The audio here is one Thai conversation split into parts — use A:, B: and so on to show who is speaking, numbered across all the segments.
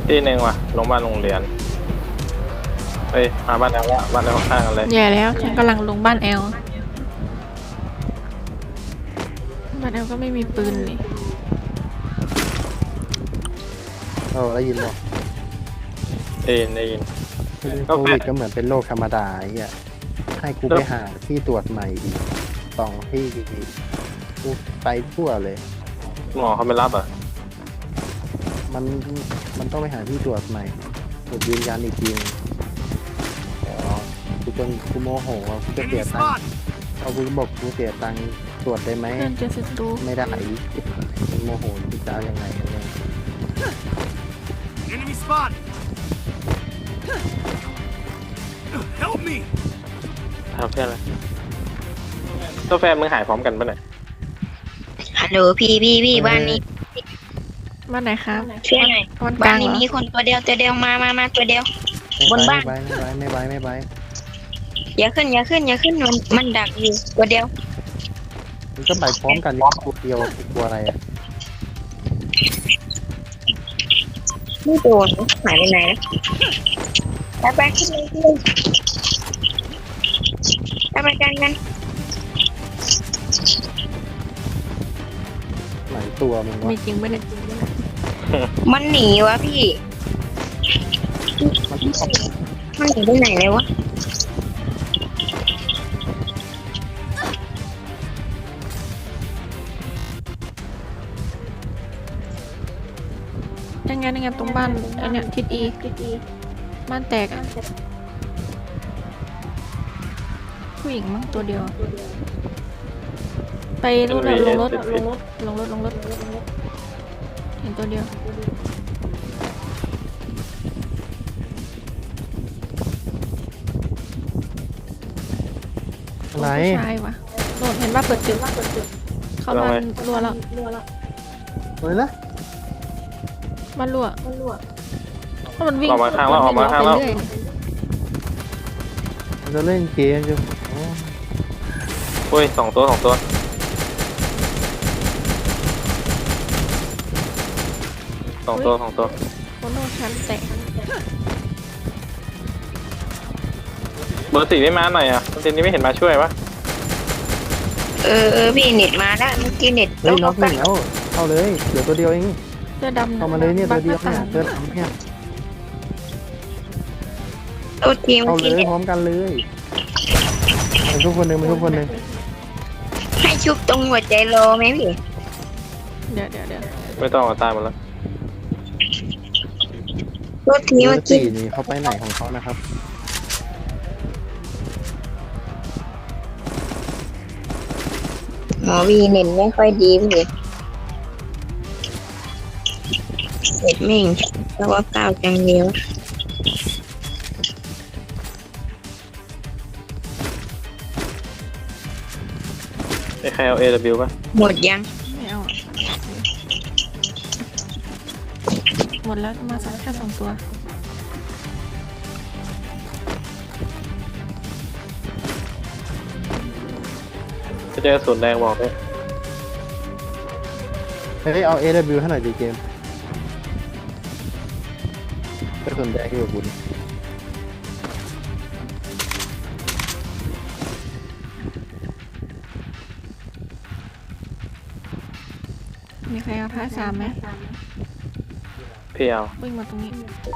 A: ที่หนึ่งว่ะลงบ้านโรงเรียนเฮ้ยมาบ้านแล้วบ้านแล้วข้างกันเลย
B: แย่แล้วฉันกำลังลงบ้านแอลบ้านแอลก็ไม่มีปืนเลย
C: ได้ยินหรอ
A: ได้ยิน
C: โควิดก็เหมือนเป็นโรคธรรมดาไอ้เงี้ยให้กูไปหาที่ตรวจใหม่อีก2 ที่กูไปทั่วเลย
A: หมอเขาไม่รับอ่ะ
C: มันต้องไปหาที่ตรวจใหม่ตรวจยืนยันอีกทีกูโมโหกูจะเสียตังค์กูบอกกูเสียตังค์ตรวจได้ไหม
B: เพื่อนจะศัตรู
C: ไม่ได้โมโหกูจะเอายังไงกันเนี่ย
D: Enemy spot. Help me.
A: ทำเพื่อนอะไรตัวแฟนมึงหายพร้อมกันปะเนี่ย
E: ฮัลโหลพี่บ้านนี้
B: บ้านไหนครับ
E: ช่วยหน่อย
B: บ้านก
E: บ้า
B: ลาน ง
E: นี้
B: เหรอ
E: มีคนตัวเดียวมาตัวเดียว บนบ้าน
C: ไม่ไป
E: อย่าขึ้นมันดักอยู่ตัวเดียว
C: มันก็ไปพร้อมกันกูเดียวกลัวอะไรอ่ะ
E: ไม่โดนหายไปไหนแล้วไปขึ้นเลยไปกัน
C: หลายตัวมึงวะ
B: มีจริงไหมเนี่ย
E: มันหนีวะพี่ มันหนีไปไหนเลยวะ
B: ยังไงตรงบ้านไอเนี่ยทิศอีบ้านแตกอะผู้หญิงมั้งตัวเดียวไปรถลงรถเห็นตัวเดียว
C: อะไร
B: ผู้ชายวะโดนเห็นว่าเปิดจุดเขาบ้านรัวแล้ว
C: เลยนะ
B: บ้านรัวเพราะมันวิ่ง
A: ออกมาข้างแล้วออกมาข้างแล้ว
B: ไปเรื่อย
C: มันจะเล่นเกมอยู่
A: โอ้ยสองตัว
B: โคโน่ชั้นแตก
A: เบอร์สี่ไม่มาหน่อยอ่ะตอนนี้ไม่เห็นมาช่วยวะ
E: พี่เน็ตมาแล้วเมื่อกี้เน็ต
C: เฮ้ยน็อกหนึ่งแล้วเข้าเลยเดี๋ยวตัวเดียวเอง
B: เสื้อดำ
C: เข้ามาเลยเนี่ยตัวเดียวเนี่ยเสื้อดำเนี่ย
E: ตัวทีม
C: เข้าเล
E: ที่
C: ย
E: เน็ต
C: พร้อมกันเลยมันทุกคนหนึ่ง
E: ให้ชุบตรงหัวใจโลไหมพี่
B: เดี๋ยว
A: ไม่ต้องเอาตายหมดแล้ว
E: ตัวทีม
C: เบอ
E: เมื่อ
C: ร์
E: กี้
C: สี่นี่เขาไปไหนของเขานะครับ
E: หมอวีเน็ตไม่ค่อยดีพี่เน็ตไม่เห็นแล้วว่าก้าวจังเดียว
A: ไอ้ใครเอา AW ป่ะ
E: หมดยัง
B: ไม่เอาอะหมดแล้วมาสักแค่2 ตัว
A: จะเจอศูนย์แดงบอกด้วย
C: เฮ้ยเอา AW ให้หน่อยดีเกมก็สนใจที่กับคุณ
B: มีใครเอาท้าย3ไหม
A: พี่เอา
B: วิ่งมาตรงนี้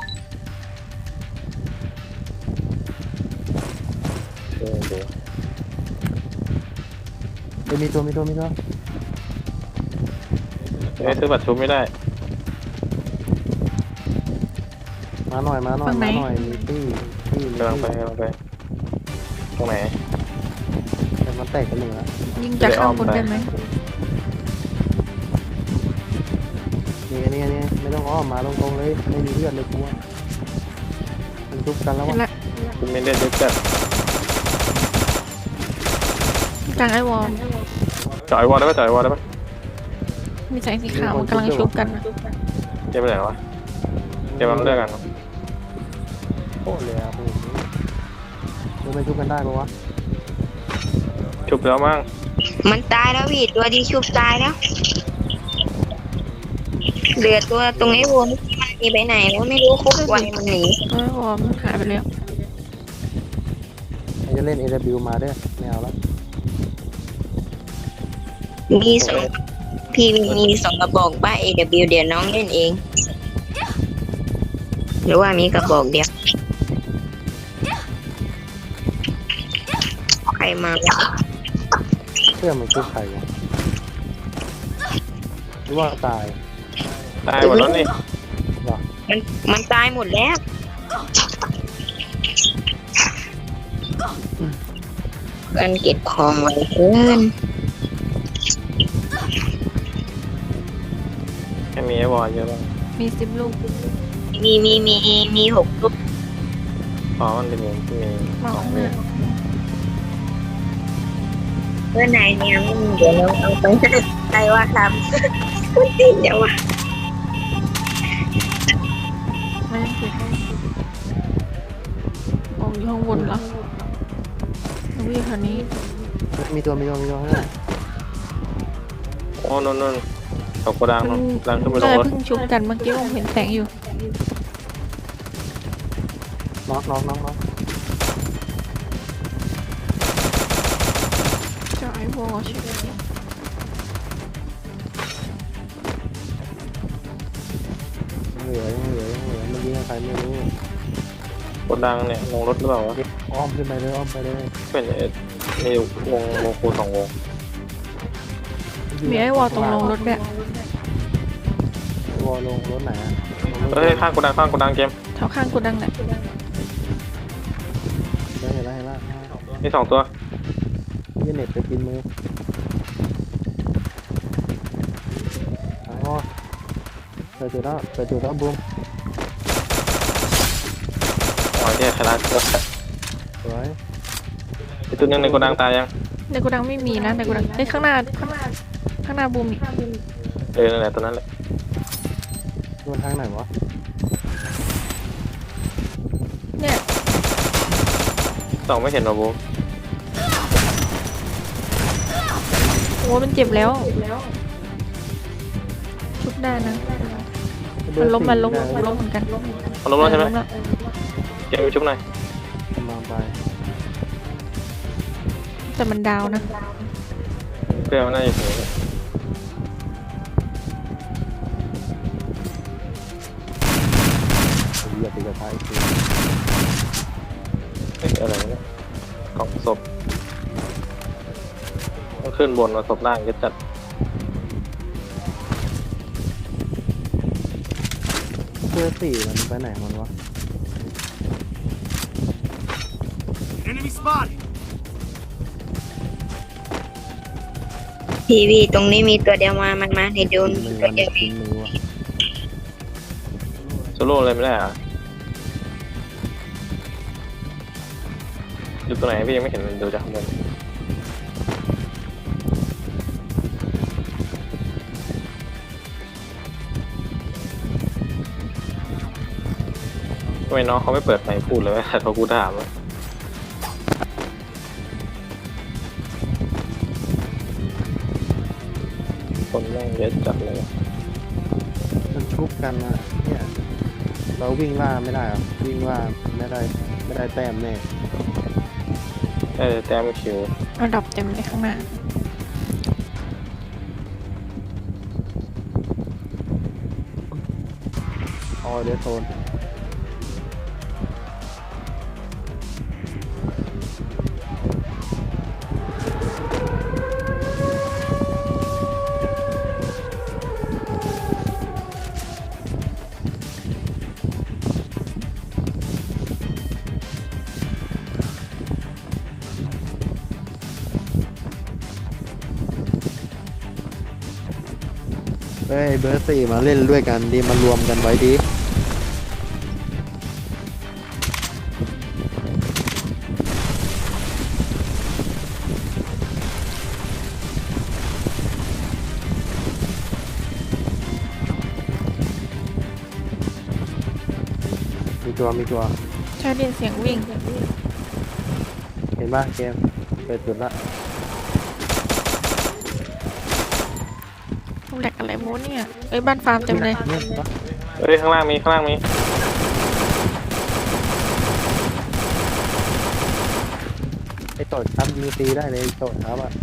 C: มีตัว
A: ซื้อบัตรชุบไม่ได้
C: มาหน่อยมีตี้
A: กำลังไปตรงไหน
C: แต่มันแตกกันหนึ่งแล้ว
B: ยิงจากข้างบนได้ไหม
C: นี่ไม่ต้องอ้อมมาตรงๆเลยไม่มีเลือดเลยกูว่ามันทุบกันแล้ว
B: เห็น
C: วะ
B: ละ
A: คุณไม่เล่นด้วยกัน
B: กลางไอวอล
A: จ่อยวอลได้ปะ
B: มีแสงสีขาวมันกำลังชุบกันนะ
A: เกมไปไหนวะเกมมันเลือกกัน
C: โคตรเลยอ่ะโอ้โหไม่ทุบกันได้ปะวะ
A: ชุบแล้วมั้ง
E: มันตายแล้วพี่ตัวดีชุบตายแล้วเหลือตัวตรงไอ้วัวนี่มันมีไปไหนแล้วไม่รู้คุกไวมันหนี
B: เออวอมันหายไปแล้ว
C: ใครจะเล่น AW มาเด้อไม่เอาแล้ว
E: มีสองพี่มีสองกระบอกบ้า AW เดี๋ยวน้องเล่นเอง หรือว่ามีกระบอกเดียวใครมา
C: เพื่อมันคือใครวะหรือว่าตาย
A: ตายหมดแล้วนี่
C: วะ
E: มันตายหมดแล้วกันเก็บของไว้เพื่อน
A: แค่มีไอ้บอลเยอะบ้าง
B: มี10 ลูก
E: มีหกลูก
A: พอมันเป็นอย่างที่มี
B: มา
A: สอง
B: ห
A: ลู
B: น้าก
E: เพื่อนนายเนี่ยเดี๋ยวเราเอาไปใครว่าทำคุณติดเดี๋ยวว่ะ
B: ไม่ยังติดออกอยู่ข้างบนแล้ววิ่งแถวนี้
C: มีตัวข้างหน้า
A: โอ้นนตกกระดัง
B: เพิ่ง
A: ดังขึ้นไปล
B: เล
A: ง
B: ย
A: รถ
B: เพิ่งชุบกันเมื่อกี้ผมเห็นแสงอยู่
C: น็อก
B: จะไอ้วอใช่ไหม
C: เหลือมันยิงใครไม่รู้
A: กระดังเนี่ยลงรถหรือเปล่าวะ
C: อ้อมขึ้นไปเลยอ้อมไปเลย
A: เป็นนี่วงคูสองวง
B: มีไอ้วอตรงลงรถด้วย
C: วอลงรถไหนอะ
A: เฮ้ยข้างกระดังเกม
B: แถวข้างกูดังแหละ
C: เห็นแล้ว
A: มี2 ตัว
C: ยี่เน็ตไปกินมืออ๋อเปิดจุดแล้วบูม
A: อ๋อเนี่ยชนะตัว
C: สวย
A: ไอ้ตัวนึงในกระดังตายยัง
B: ในกูดังไม่มีนะในกูดังข้างหน้าบูมอีก
A: นั่นแหละตัวนั้นแหละ
C: โดนทางไหนวะ
B: เนี่ย
A: 2ไม่เห็นหรอบูม
B: โอ้มันเจ็บแล้วชุบได้นะมันล้มเหมือนกัน
A: เอาล้มแล้วใช่ไหม
B: แล้ว
A: เกมไปชุบหน่อย
C: กำลังไป
B: แต่มันดาวนะ
A: เพื่อนมันน่าจะถึง
C: อย่าตีกระทะอีกที
A: อะไรเนี่ยกล่องศพต้องขึ้นบนมาศพล่างจะจัด
C: เพื่อสี่มันไปไหนมันวะ
D: Enemy spotted.
E: ทีวีตรงนี้มีตัวเดียวมันมาในโดน
C: มือ
E: ตัว
C: มัน
E: เดียว
C: กินมือวะ
A: โซโล่เลยไม่ได้อะอยู่ตรงไหนพี่ยังไม่เห็นมันดูจากข้างบนทำไมน้องเขาไม่เปิดไมค์พูดเลยว่าเขากูถามอะคนแม่งเยอะจัดเลย
C: มันชุบกันนะเนี่ยเราวิ่งล่าไม่ได้หรอวิ่งล่าไม่ได้แต้มแน่
A: แต้มคิว
B: ระดับเต็มเลยข้างหน้า
C: ออเดโซนเฮ้ยเบอร์สี่มาเล่นด้วยกันดีมารวมกันไว้ดี มีตัว
B: ใช่ได้ยินเสียงวิ่ง
C: เห็นป่ะเกมเปิดจุดละ
B: แหลกอะไรโมเนี่ยเอ้ยบ้านฟาร์มเต็มเลย
C: เนี่ยปะ
A: เอเฮ้ยข้างล่างมีข้างล่างมี
C: ไอ้โตดครับยิงตีได้เลยไอ้โตดครับอ่ะ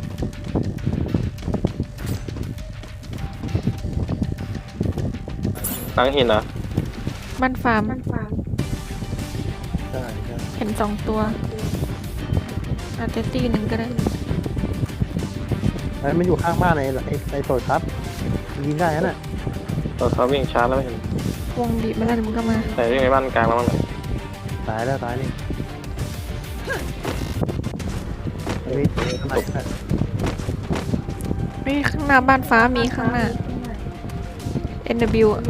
A: หลังหินเหรอ
B: บ้านฟาร์ม
C: ใช่ใช่
B: เห็น2 ตัว อาจจะตีหนึ่งก็ได้
C: ไอ้มันอยู่ข้างบ้านไอ้โตดครับยิงได้นั่นน่ะ
A: เราเขาวิ่งชาร์จแล้วไม่เห็น
B: วงบีบมาแล้วเดี๋ยวมึงก็มา
A: แต่วิ่งในบ้านกลางแล้วมั้งเนี่ย
C: ตายแล้วตายนี่นี่ทำไมน่ะ
B: เฮ้ยข้างหน้าบ้านฟ้ามีข้างหน้า NW อะ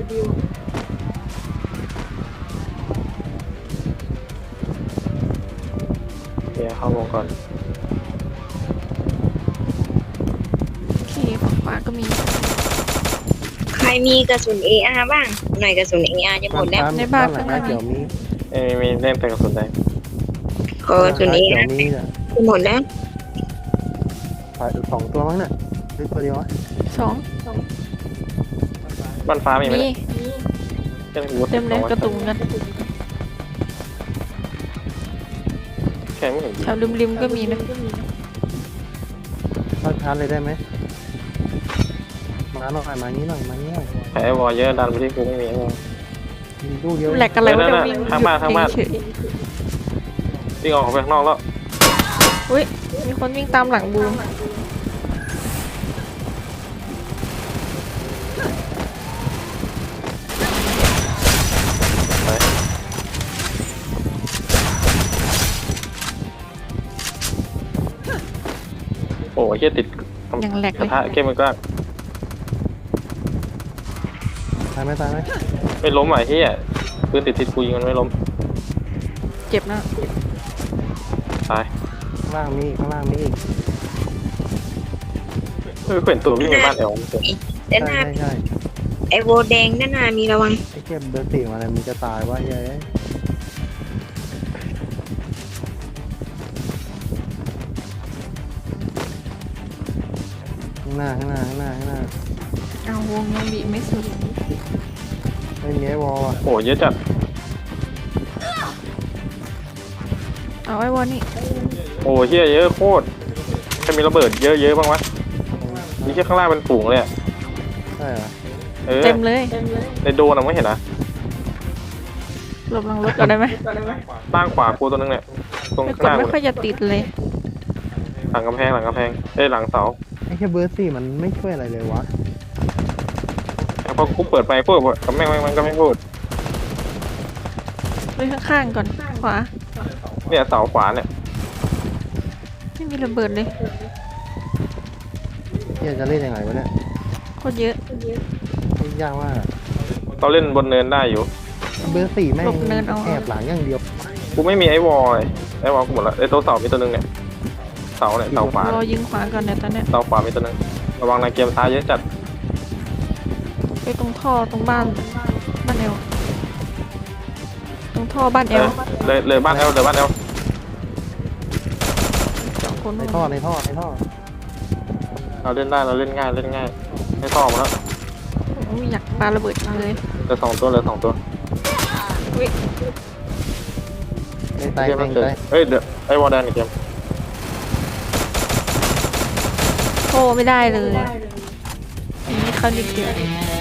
A: เดี๋ยวเข้าวงก่อน
B: โอเคฝั่งขวาก็มี
E: ใครมีกระสุน AR บ้าง หน่อยกระสุน AR จะหมดแล้ว
B: ในบ้าน
C: หลัง
B: ข้างหน้า
C: เขียวมี
A: มีเล่นแต่กระสุนแดง
E: ขอกระสุน
C: เขียว
E: AR
C: มีอ่ะ
E: จะหมดแล้ว
C: 2 ตัวมั้งน่ะหรือตัวเดียววะ
B: 2
A: บ้านฟ้ามีไหม
B: มี
A: เนี่ยเต็ม
B: เต็มเลยกระตุงกัน
A: แค่ไม่เห็น
B: แถวริมๆก็มีนะ
C: เข้าชาร์จเลยได้ไหมมาหน่อยมานี้หน่อยมานี้หน่อย
A: แพ้วอลเยอะดันไปที่กูไม่มีไอ้วอล
C: มีลูกเดียว
B: แหลกอะไรวะ
A: นั่
B: เดี๋ย
A: น
B: ว
A: ๆ
B: วิ่ง
A: ข้างบ้านข้างบ้าน
B: เฉย
A: วิ่งออกไปข้างนอกแล้ว
B: ๆอุ้ยมีคนวิ่งตามหลังบูม
A: โอ้ยเฮียติด
B: ยังแหลก
A: ก
B: เล
A: ระ
B: ย
A: ทะเกมมันก็
C: ตายไหมตายไหม
A: ไม่ล้มอ่ะเฮียปืนติดกูยิงมันไม่ล้ม
B: เจ็บนะ
A: ตาย
C: ข้างล่างมีข้างล่างมีอีก
A: เฮ้ยเห็นตัววิ่งในบ้านแอล
E: ด้านห
C: ใช่
E: น้า
C: ใช่ใช่
E: ไอโวแดงด้านหน้ามีระวัง
C: ไอ้เก็บเบอร์สี่มาอะไรมึงจะตายวะเย้ยข้างหน้าข้างหน้าข้างหน้าข้างหน้า
B: เอาวงยังบีบไม่สุด
C: ไม่มีไอ้วอลอ่ะ
A: โอ้ยเยอะจัด
B: เอาไอ้วอนี่
A: โอ้ยเฮียเยอะโคตรแค่มีระเบิดเยอะบ้างวะนี่แค่ข้างล่างเป็นฝูงเลยอะ
C: ใช่เหรอ
B: เต็มเลย
A: ในโดนอะไม่เห็นนะ
B: หลบหลังรถก่อนได้ไหม
A: ตั้งขวากูตัวนึงเนี่ยตรง
B: ไม่
A: ข้าง
B: ก
A: ห
B: ด
A: น้า
B: ไม่ค่อยจะติดเลย
A: หลังกำแพงหลังกำแพงหลังเสา
C: ไอ้แค่เบอร์สี่มันไม่ช่วยอะไรเลยวะ
A: พอกูเปิดไปปุ๊บกับแม่งมันก็ไม่พูด
B: ไปข้างๆก่อน ขวา
A: เนี่ยเสาขวาเนี่ย
B: ไม่มีระเบิดเลย
C: เฮียจะเล่นยังไงวะเนี่ย
B: โคตรเยอะ
C: เล่นยากมากอะ
A: เราเล่นบนเนินได้อยู่
C: เบอร์สี่แม่ง
B: หลบเนินเอา
C: แอบหลังอย่างเดียว
A: กูไม่มีไอ้วอลเลยไอ้วอลกูหมดละไอ้ตัวเสามีตัวนึงเนี่ยเสาเนี่ยเสาขวาร
B: อยิงขวาก่อนเนี่ยตอนเนี้ย
A: เสาขวามีตัวนึงระวังนะเกมซ้ายเยอะจัด
B: ไปตรงท่อตรงบ้านเอลตรงท่อบ้านเอล
A: เลยบ้านเอลเลยบ้านเอล
B: 2 คน
C: ในท่อในท่อในท่อ
A: เราเล่นได้เราเล่นง่ายไม่ต่อมาแล้ว
B: ผมอยากปาระเบิดจังเลย
A: เหลือ2 ตัว
B: อุ้ย
C: ในตาย
A: เกม
C: ใน
A: มันเกิด
C: ตาย
A: เอ้ยเดี๋ยวไอ้วอลแดนอีกเกม
B: โอ้ไม่ได้เลยอันนี้เขาดิเดียว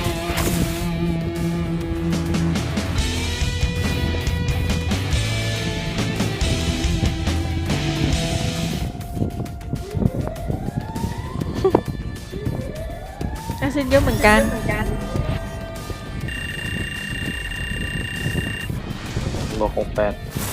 B: แอซิดเยอะเหมือนกัน
A: บวก68